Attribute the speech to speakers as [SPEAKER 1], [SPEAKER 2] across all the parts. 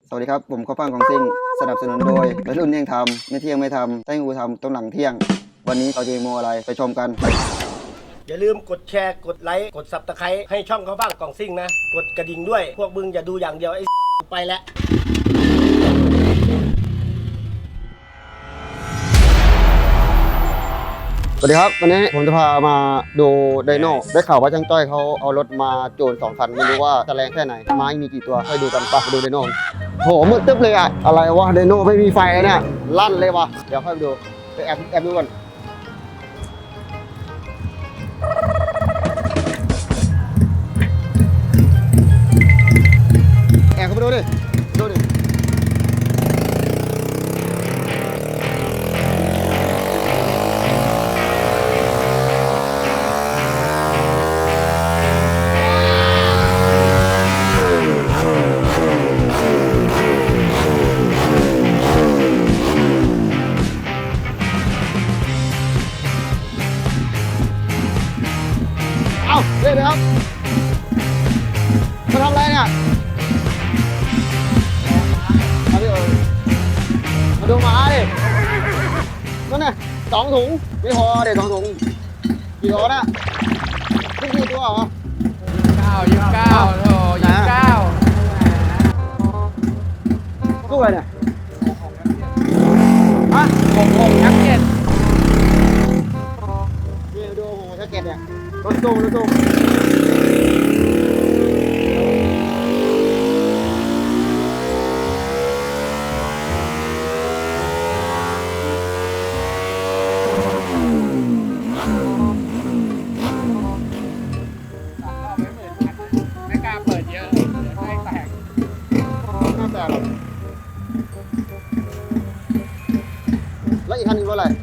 [SPEAKER 1] สวัสดีครับผมข้าวฟ่างของซิ่งสนับสนุนโดยวัยรุ่นเที่ยงทำไม่เที่ยงไม่ทำให้งูทำต้องหลังเที่ยงวันนี้เราจะมีโมอะไรไปชมกัน
[SPEAKER 2] อย่าลืมกดแชร์กดไลค์กดซับสไครต์ให้ช่องข้าวฟ่างกล่องซิ่งนะกดกระดิ่งด้วยพวกมึงอย่าดูอย่างเดียวไอ้ไปแล้ว
[SPEAKER 1] สวัสดีครับวันนี้ผมจะพามาดูไดโน่ได้ข่าวว่าช่างจ้อยเขาเอารถมาโจร2 คันไม่รู้ว่าจะแรงแค่ไหนไม้มีกี่ตัวให้ดูกันปะไปดูไดโน่โหมืดตึ๊บเลยอะอะไรวะไดโน่ไม่มีไฟเนี่ยลั่นเลยวะเดี๋ยวค่อยไปดูไปแอบดูกันแอบเข้าไปดูดิเอาเดี๋ยวครับมาทำอะไรเนี่ยมาดิมาดูหมาดินั่นน่ะ2 ถุงไม่พอเด็ก2 ถุงกี่ตัวน่ะกี่ตัวเหรอ
[SPEAKER 3] 29โถ29
[SPEAKER 1] ตู้อะไรเนี่ยฮะ
[SPEAKER 3] 66ยักษ์7
[SPEAKER 1] นี่ดูโอ้โหแจ็คเก็ตเนี่ยรถตู้
[SPEAKER 3] ไม่กล้าเปิดเยอะเดี๋ยวให้แตก
[SPEAKER 1] น่าแปลกหรอกแล้วอีกคันนึงว่าอะไร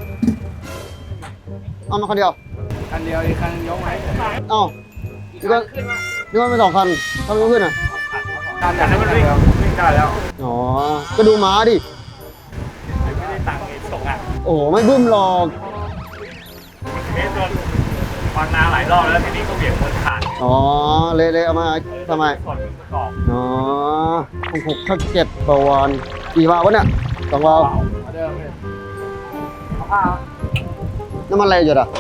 [SPEAKER 1] เอามาคันเดียว
[SPEAKER 3] คันเดียวอีกคันยกไหม
[SPEAKER 1] เอ้านี่ก็เป็น2 คันทำไมไม่ขึ้นอ่ะ
[SPEAKER 3] คันนั้นมันวิ่งได้แล้ว
[SPEAKER 1] อ๋อก็ดูม้าดิ
[SPEAKER 3] ไม่ได้ตังค์ไอ้ส่งอ่ะ
[SPEAKER 1] โอ้โหไม่บึ้มหรอก
[SPEAKER 3] โดนวางนาหลายรอบแล้วทีนี้ก็เบี่ยงคนขาด
[SPEAKER 1] อ๋อเละเอามาทำไมอ๋อ6 7 ประวานกี่วาล์ววะเนี่ย2 วาล์ว
[SPEAKER 3] เดิมเลย
[SPEAKER 1] น้ำมันอะไรอยู่อ่ะ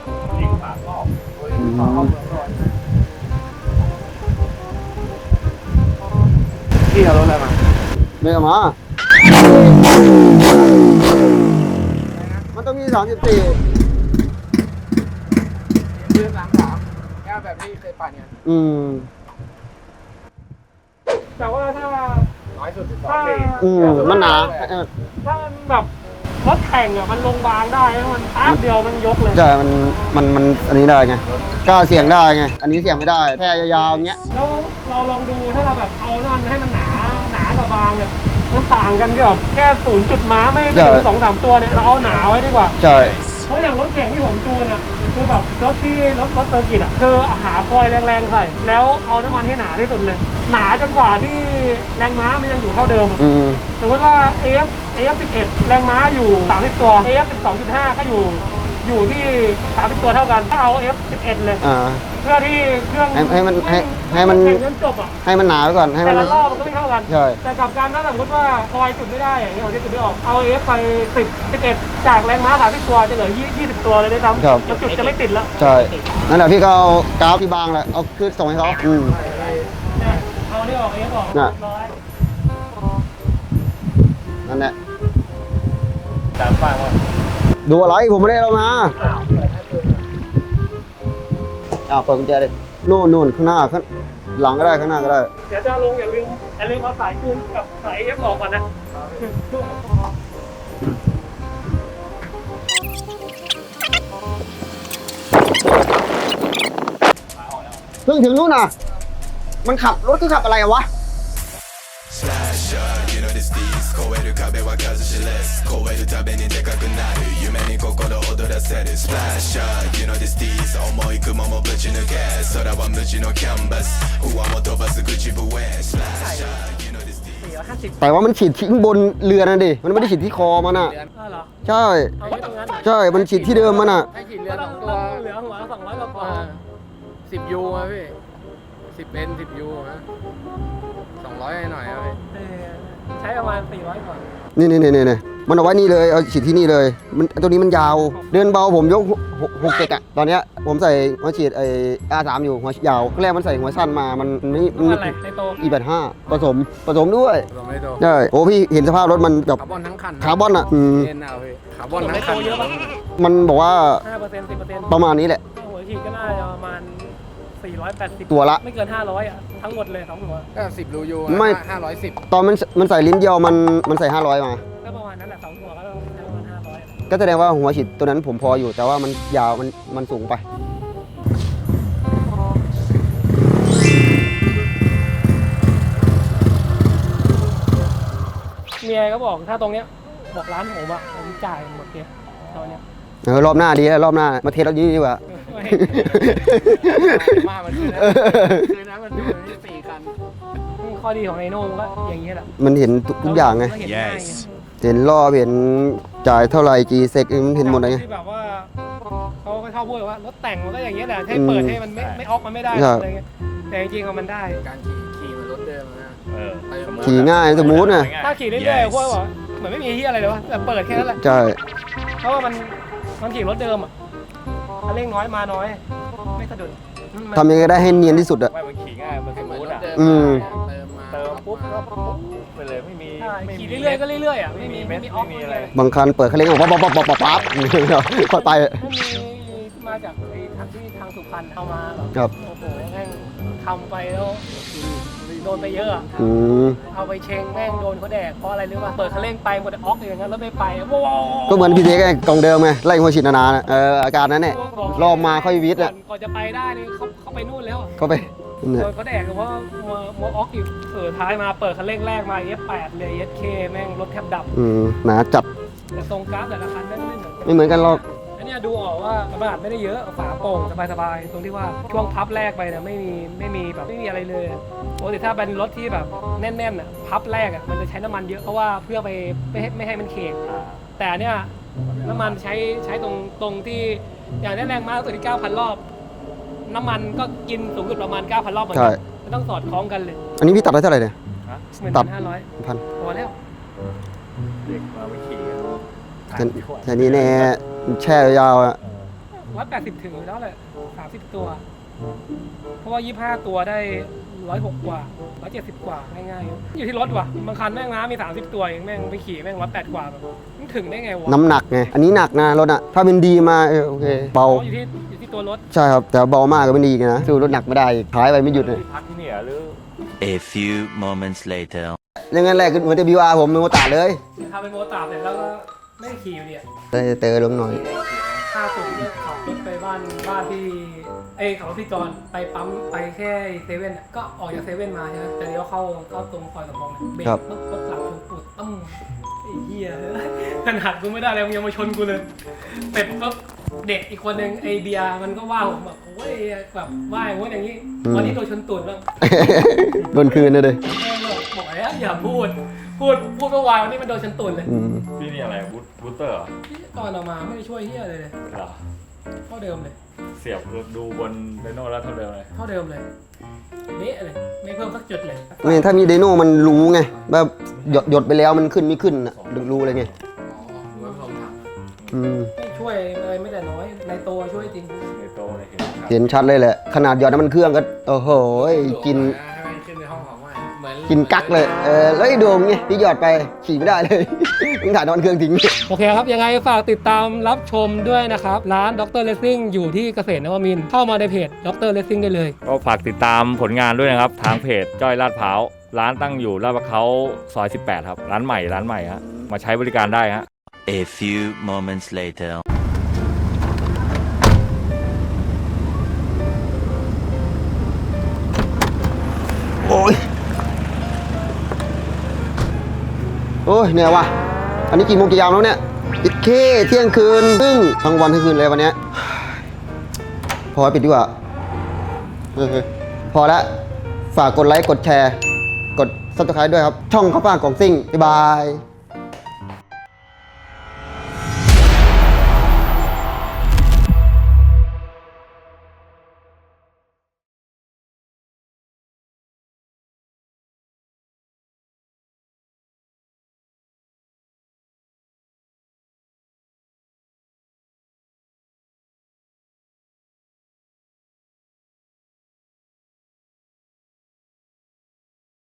[SPEAKER 3] พี่เอารถอะไรมา
[SPEAKER 1] ไม่เอามามันต้องมี34
[SPEAKER 3] ยืน33แค่แบบที่เคยปั่นเนี่ยแต่ว่าถ้าน้อยสุด12
[SPEAKER 1] มันหนา
[SPEAKER 3] ถ้ามันแบบรถแข่งอ่ะมันลงบางได้มันแป๊บเดียวมันยกเลย
[SPEAKER 1] ใช่มันอันนี้ได้ไงกล้าเสี่ยงได้ไงอันนี้เสี่ยงไม่ได้แค่ยาวๆอย่างเงี้ย
[SPEAKER 3] แล้วเราลองดูถ้าเราแบบเอานั่นให้มันหนากับบางเนี่ยมันต่างกันแบบแค่0 จุดม้าไม่ถึง2-3 ตัวเนี่ยเราเอาหนาไว้ดีกว่า
[SPEAKER 1] ใช่
[SPEAKER 3] เพราะอย่างรถแข่งที่ผมจูนอ่ะคือแบบรถเซอร์กิตอ่ะคือหาคอยแรงๆใส่แล้วเอาน้ำมันให้หนาที่สุดเลยหนาจนกว่าที่แรงม้ามันยังอยู่เท่าเดิมสมมติว่า AF11 แรงม้าอยู่30 ตัว AF12.5 ก็อยู่ที่30 ตัวเท่ากันถ้าเอา F11 เลยเพื่อที่เครื่อง
[SPEAKER 1] ให้มัน
[SPEAKER 3] จบอ่ะ
[SPEAKER 1] ให้มันหนาไว้ก่อนให้มัน
[SPEAKER 3] แต่ละรอบมันก็ไม่เท่ากัน
[SPEAKER 1] ใช่
[SPEAKER 3] แต่กับการถ้าสมมติว่าคอยจุดไม่ได้อย่างนี้เราจะจุดไม่ออกเอา F ไป11จากแรงม้า30 ตัวจะเหลือ20 ตัวเลยได้ซ้ำแล้วจุดจะไม่ติดแล้ว
[SPEAKER 1] ใช่นั่นแหละพี่ก็เอากราฟที่บางแหละเอาขึ้นส่งให้เขา
[SPEAKER 3] เอานี่ออกFออก
[SPEAKER 1] นั่นแหละ
[SPEAKER 3] ตามฟังว่า
[SPEAKER 1] ดูอะไรผมไม่ได้เอามาเปิดกุญแจเลยนู่นข้างหน้าข้างหลังก็ได้ข้างหน้าก็ได้
[SPEAKER 3] เดี๋ยวจะลงอย่าลืมเอาสายคืนกับสายFออกก่อนนะ
[SPEAKER 1] เพิ่งถึงนู่นน่ะมันขับรถคือขับอะไรวะ超える壁は数知れず超えるたびにでかくなる夢に心躍らせるスプラッシャー You know this tease 重い雲もぶち抜け空は無地のキャンバス不安も飛ばす口笛スプラッシャー You know this tease แต่ว่ามันฉีดทิ้งบนเรือนะดิมันไม่ได้ฉีดที่คอมันอ่ะใช่มันฉีดที่เดิมมันอ่ะ
[SPEAKER 3] ให้ฉีดเรือ2 ตัวเหลือหัว200 กว่า10 ยูอ่ะพี่10 เป็น 10 ยูฮะ200หน่อยครับพี่ช้ประมาณ400กว่า
[SPEAKER 4] นี่มันเอาไว้นี่เลยเอาฉีดที่นี่เลยมันตัวนี้มันยาวเดินเบาผมยก67อ่ะตอนเนี้ยผมใส่หัวฉีดไอ้ R3 อยู่หัวยาวแรกมันใส่หัวสั้นมามันไม่
[SPEAKER 3] อะไรในโต
[SPEAKER 4] E85ผสมด้วย
[SPEAKER 5] ไม่โต
[SPEAKER 4] ใช่โอ้พี่เห็นสภาพรถมันแบบ
[SPEAKER 5] คาร์บอนทั้งคัน
[SPEAKER 4] คาร์บอนอ่ะ
[SPEAKER 5] เล่นเอาพี่คาร์บอนทั้งคัน
[SPEAKER 3] เยอะปะ
[SPEAKER 4] มันบอกว่า
[SPEAKER 3] 5% 10%
[SPEAKER 4] ประมาณนี้แหละ
[SPEAKER 3] หัวฉีดก็น่าจะประมาณ480
[SPEAKER 4] ตัวละ
[SPEAKER 3] ไม่เกิน500อ่ะทั้งหมดเลย2หัว
[SPEAKER 5] ก็10รูยู
[SPEAKER 4] ไม่
[SPEAKER 5] 510
[SPEAKER 4] ตอนมันใส่ลิ้นเดียวมันใส่500มา
[SPEAKER 3] ก็ประมาณนั้นแหละ2หัวก็ต้องใช้ประมาณ500
[SPEAKER 4] ก็แสดงว่าหัวฉีดตัวนั้นผมพออยู่แต่ว่ามันยาวมันสูงไป
[SPEAKER 3] เมียก็บอกถ้าตรงเนี้ยบอกร้านผมอะผมจ่ายหมดเลยตอนเนี้ย
[SPEAKER 4] รอบหน้าดีรอบหน้ามาเทสรถนี้ดีกว่า
[SPEAKER 5] มามันคือนะมันดูนี่4 คัน
[SPEAKER 3] ข้อดีของไอโน่ก็อย่างเงี้ยแหละ
[SPEAKER 4] มันเห็นทุกอย่างไง
[SPEAKER 3] เห็นง่ายไง
[SPEAKER 4] เห็นรอบเห็นจ่ายเท่าไหร่กี่เซกมันเห็นหมดเลยไง
[SPEAKER 3] ที่แบบว่าเขาก็ชอบพูดว่ารถแต่งมันก็อย่างเงี้ยแหละให้เปิดให้มันไม่ออกมันไม่ได้
[SPEAKER 4] ใช่
[SPEAKER 3] อะไรเงี้ยแต่จริงๆมันได้
[SPEAKER 5] การขี่มันรถเดิมนะ
[SPEAKER 4] ขี่ง่ายสมูทนะ
[SPEAKER 3] ถ้าขี่เรื่อยๆพวกบอกเหมือนไม่มีที่อะไรเลยวะแต่เปิดแค่นั้นแหละ
[SPEAKER 4] ใช่
[SPEAKER 3] เพราะว่ามันขี่รถเดิมอ่ะคันเร่งน้อยมาน้อย ไม่สะดุด
[SPEAKER 4] ทำยังไงได้ให้เนียนที่สุดอะ
[SPEAKER 6] ไม่มันขี่ง่าย มันส
[SPEAKER 5] เหมือน
[SPEAKER 6] มูท
[SPEAKER 5] รถ
[SPEAKER 6] อ่ะ
[SPEAKER 5] เดิม
[SPEAKER 4] อืม
[SPEAKER 5] เติม
[SPEAKER 6] ปุ๊บก็ปุ๊บไปเลยไม่มี
[SPEAKER 3] ใช่
[SPEAKER 6] ไม่
[SPEAKER 3] ขี่เรื่อยๆก็เรื่อยๆอ่ะไม่มีออก
[SPEAKER 6] ไม่มีอะไร
[SPEAKER 4] บางคันเปิดคันเร่งออกปั๊บค่อยไป
[SPEAKER 3] ถ้ามีมาจากไอ้ทางที่ทางสุพรรณเอามาแบบ
[SPEAKER 4] ครับ
[SPEAKER 3] โอ้โหแม่งทำไปแล้วโดนไปเยอะอะ
[SPEAKER 4] อืม
[SPEAKER 3] เอาไปเชงแม่งโดนเขาแดกเพราะอะไรรู้ป่ะเปิดคันเร่งไปหมดแต่ออกอย่างนั้นแล้วไม่ไปว้าว
[SPEAKER 4] ก็เหมือนพี่เจ๊ไงกล่องเดิมไงไล่หัวฉีดนานๆอะอาการนั้นแหละรอบมาค่อยวิทย์อะ
[SPEAKER 3] ก่อนจะไปได้นี่เขาไปนู่นแล้วอะ
[SPEAKER 4] ก็ไป
[SPEAKER 3] โดนเขาแดกเพราะว่ามัวออกอีกท้ายมาเปิดคันเร่งแรกมาเอฟ8เลยเอสเคแม่งรถแทบดับ
[SPEAKER 4] หนาจัด
[SPEAKER 3] แต่ทรงกราฟแต่ละคันแม่งไม่เหมือนกัน
[SPEAKER 4] ไม่เหมือนกันหรอก
[SPEAKER 3] อันเนี้ยดูออกว่าขนาดไม่ได้เยอะฝาโปร่งสบายๆตรงที่ว่าช่วงพับแรกไปเนี่ยไม่มีแบบไม่มีอะไรเลยปกติถ้าเป็นรถที่แบบแน่นๆอ่ะพับแรกอ่ะมันจะใช้น้ำมันเยอะเพราะว่าเพื่อไปไม่ให้มันเขกแต่อันเนี้ยน้ำมันใช้ตรงที่อย่างนี้แรงม้าสุดที่ 9,000 รอบ น้ำมันก็กินสูงสุดประมาณ 9,000 รอบเหมือน
[SPEAKER 4] ใช่
[SPEAKER 3] กันมันต้องสอดคล้องกันเลย
[SPEAKER 4] อันนี้พี่ตัดได้เท่าไหร่เนี่ย ตัด
[SPEAKER 3] 15,000
[SPEAKER 4] พัน
[SPEAKER 3] พอแล้ว
[SPEAKER 6] เด็กมาไม่ขี่กัน
[SPEAKER 4] แต่นี้แน่แช่ยาวอะ
[SPEAKER 3] 180ถึงอยู่แล้วแหละ30 ตัว เพราะว่า 25 ตัวได้106กว่า170กว่าง่ายๆอยู่ที่รถว่ะบางคันแม่งม้ามี30ตัวเองแม่งไปขี่แม่ง108กว่าแบบมันถึงได้ไงวะ
[SPEAKER 4] น้ำหนักไงอันนี้หนักนะรถอะถ้าเป็นดีมาโอเคเบา
[SPEAKER 3] อยู่ที่ตัวรถ
[SPEAKER 4] ใช่ครับแต่เบามากก็ไม่ดีนะสู้รถหนักไม่ได้อีกท้ายไปไม่หยุดเลย
[SPEAKER 6] พักที่เนี่ยหรือ
[SPEAKER 7] A few moments later.
[SPEAKER 4] ยังงั้นแรกเหมือนจะบิวอาร์ผมเป็นโมตาเลย
[SPEAKER 3] ทำเป็นโมตาร์เสร็จแล้วก็ไม่ได้ขี่อยู่ดีอะ
[SPEAKER 4] เตอลงหน่อย
[SPEAKER 3] ค่าสุดเนี่ยขับรถไปบ้านที่ขับรถพี่จอนไปปั๊มไปแค่เซเว่นก็ออกจากเซเว่นมาใช่ไหมจะเลี้ยวเข้าตรงซอยสะพองเนี่ยเบรกปุ๊บรถหลังชนปุดตั้มไอ้เหี้ยขนาดกูไม่ได้เลยมึงยังมาชนกูเลยเสร็จปุ๊บเด็กอีกคนนึงไอเบียร์มันก็ว่าผมแบบโอ้ยแบบว่าอย่างนี้วันนี้โดนชนตูดบ้าง
[SPEAKER 4] โดนคืนเลย
[SPEAKER 3] บอกแล้วอย่าพูดเมื่อวานวันนี้มันโดนชนตูดเลย
[SPEAKER 6] พี่นี่อะไรบูสเตอร์เหรอ
[SPEAKER 3] ก่อนออกมาไม่ได้ช่วยเหี้ยเลย
[SPEAKER 6] เหรอ
[SPEAKER 3] เท่าเดิมเลย
[SPEAKER 6] เสียบดูบนเรโน่แล้วเท่าเดิมเลย
[SPEAKER 3] เท่าเดิมเลยเละเลยไม่เพิ่มสักจุดเลย
[SPEAKER 4] นี่ถ้ามีไดโน่มันรู้ไงแบบหยดไปแล้วมันขึ้นไม่ขึ้นอ่ะรู้เลยไง
[SPEAKER 5] รถผมถัง
[SPEAKER 3] ไม่ช่วยเลยไม่แต่น้อยในตัวช่วยจริง
[SPEAKER 6] ในโตเลยเห็นครับ
[SPEAKER 4] เห็นชัดเลยแหละขนาดหยอดน้ำมันเครื่องก็โอ้โหกิน
[SPEAKER 5] ให้มันขึ้นในห้องของมันเหมือน
[SPEAKER 4] กินกักเลยแล้วไอ้โดมไงพี่หยอดไปขี่ไม่ได้เลย มึงถ่ายน้ำมันเครื่องทิ้ง
[SPEAKER 3] โอเคครับยังไงฝากติดตามรับชมด้วยนะครับร้านดรเลสซิ่งอยู่ที่เกษตรนวมินทร์เข้ามาในเพจดรเลสซิ่งได้เลย
[SPEAKER 6] ก็ฝากติดตามผลงานด้วยนะครับ ทางเพจจ้อยลาดพร้าวร้านตั้งอยู่ลาดพร้าวซอย 18 ครับ ร้านใหม่ฮะมาใช้บริการได้ฮะ
[SPEAKER 7] A few moments later.
[SPEAKER 4] โอ้ยเหนื่อยว่ะอันนี้กี่โมงกี่ยามแล้วเนี่ยปิดเคเที่ยงคืนซึ่งทั้งวันทั้งคืนเลยวันเนี้ยพอปิดดีกว่าพอแล้วฝากกดไลค์กดแชร์กด Subscribe ด้วยครับช่องข้าวฟ่างกล่องซิ่งบ๊ายบาย